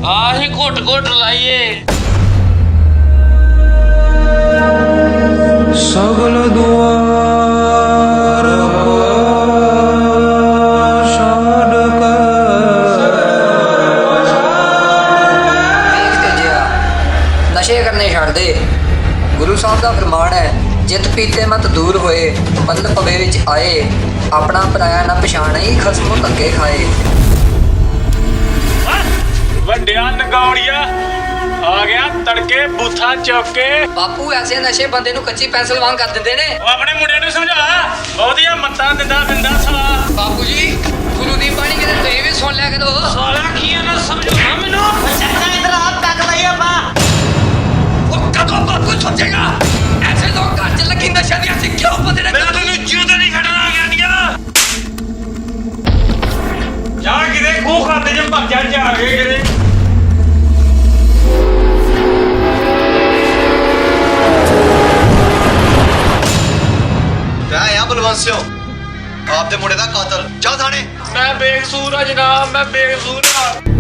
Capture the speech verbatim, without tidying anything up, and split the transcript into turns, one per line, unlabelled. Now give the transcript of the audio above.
ਆਹੀ ਘੁੱਟ ਘੁੱਟ ਲਾਈਏ।
ਸਗਲ ਦੁਆਰ ਕੋ ਛੱਡ ਕੇ
ਵੇਖ ਤੇਜਿਆ, ਨਸ਼ੇ ਕਰਨੇ ਛੱਡ ਦੇ। ਗੁਰੂ ਸਾਹਿਬ ਦਾ ਫਰਮਾਨ ਹੈ, ਜਿਤ ਪੀਤੇ ਮਤ ਦੂਰ ਹੋਏ, ਮਤਲਬ ਪਵੇ ਵਿੱਚ ਆਏ। ਆਪਣਾ ਪਰਾਇਆ ਨਾ ਪਛਾਣੇ, ਖਸਮੋਂ ਧੱਕੇ ਖਾਏ।
ਵੱਡਿਆ ਨਗੌੜੀਆ ਆ ਗਿਆ ਤੜਕੇ ਬੂਥਾ ਚੁੱਕ ਕੇ।
ਬਾਪੂ ਐਸੇ ਨਸ਼ੇ ਬੰਦੇ ਨੂੰ ਕੱਚੀ ਪੈਨਸਲ ਵਾਂਗ ਕਰ ਦਿੰਦੇ ਨੇ।
ਉਹ ਆਪਣੇ ਮੁੰਡੇ ਨੂੰ ਸਮਝਾ, ਬਹੁਤੀਆਂ ਮੱਤਾਂ ਦਿੰਦਾ ਬਿੰਦਾ ਸਲਾ।
ਬਾਪੂ ਜੀ, ਗੁਰੂ ਦੀ ਬਾਣੀ ਕਿਤੇ ਤੁਸੀਂ ਵੀ ਸੁਣ ਲਿਆ ਕਰੋ।
ਸਾਲਾ ਕੀ ਨਾ ਸਮਝਾਉਣਾ ਮੈਨੂੰ।
ਚਾਚਾ ਇਧਰ ਆ, ਪੈਕ ਲਈ ਆਪਾਂ।
ਉਹ ਕਦੋਂ ਬਾਪੂ ਸੋਚੇਗਾ ਐਸੇ ਲੋਕ ਘਰ ਚ ਲੱਗੀ ਨਸ਼ਾ ਦੀਆਂ ਅਸੀਂ ਕਿਉਂ ਬੰਦੇ ਨੇ। ਮੈਂ ਤੈਨੂੰ ਜਿਉਂਦਾ ਨਹੀਂ ਖੜਨਾ ਗਿਆਨੀਆਂ।
ਜਾ ਕਿਤੇ ਖੂਹ ਖਾਤੇ ਚ ਭੱਜਾ ਜਾ ਕੇ ਕਿਤੇ।
ਮੈਂ ਆ ਬਲਵੰਤ ਸਿੰਘ, ਆਪਦੇ ਮੁੰਡੇ ਦਾ ਕਾਤਲ। ਜਾ ਥਾਣੇ।
ਮੈਂ ਬੇਕਸੂਰ ਆ ਜਨਾਬ, ਮੈਂ ਬੇਕਸੂਰ ਆ।